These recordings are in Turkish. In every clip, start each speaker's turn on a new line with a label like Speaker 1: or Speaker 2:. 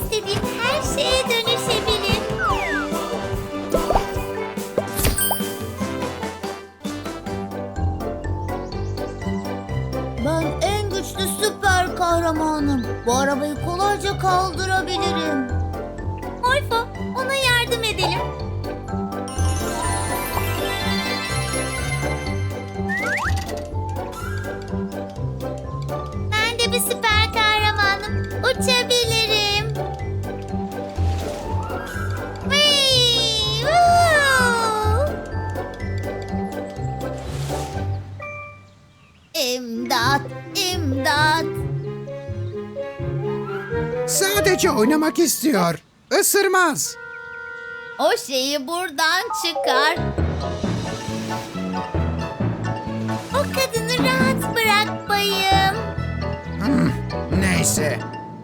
Speaker 1: istediğim her şeye dönüşebilir. Ben en güçlü süper kahramanım. Bu arabayı kolayca kaldırabilirim. Morfo, ona yardım edelim. Ben de bir süper kahramanım. Uçabilirim. Whee! Woo! İmdat, imdat.
Speaker 2: Sadece oynamak istiyor. Isırmaz.
Speaker 1: O şeyi buradan çıkar. O kadını rahat bırak bayım.
Speaker 2: Neyse.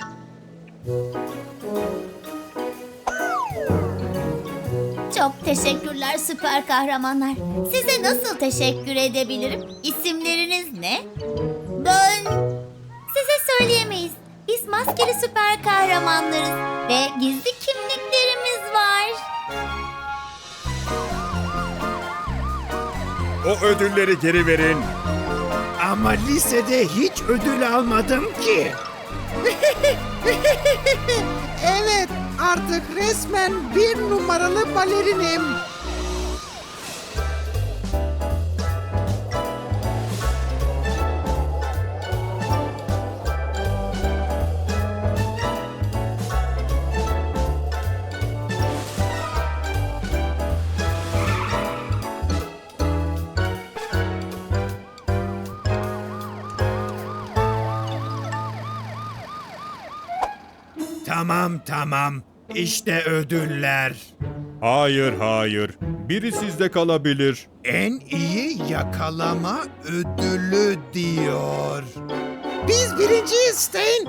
Speaker 1: Çok teşekkürler süper kahramanlar. Size nasıl teşekkür edebilirim? İsimleriniz ne? Ben... Size söyleyemeyiz. Biz maskeli süper kahramanlarız ve gizli kimliklerimiz var.
Speaker 3: O ödülleri geri verin.
Speaker 2: Ama lisede hiç ödül almadım ki. Evet, artık resmen bir numaralı balerinim. Tamam. İşte ödüller.
Speaker 3: Hayır, hayır. Biri sizde kalabilir.
Speaker 2: En iyi yakalama ödülü diyor. Biz birinciyiz Stein.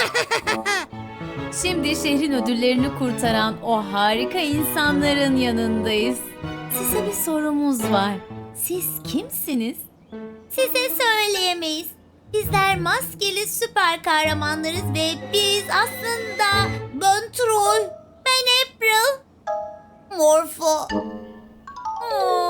Speaker 4: Şimdi şehrin ödüllerini kurtaran o harika insanların yanındayız. Size bir sorumuz var. Siz kimsiniz?
Speaker 1: Size söyleyemeyiz. Bizler maskeli süper kahramanlarız ve biz aslında... Ben Troy, ben April, Morpho.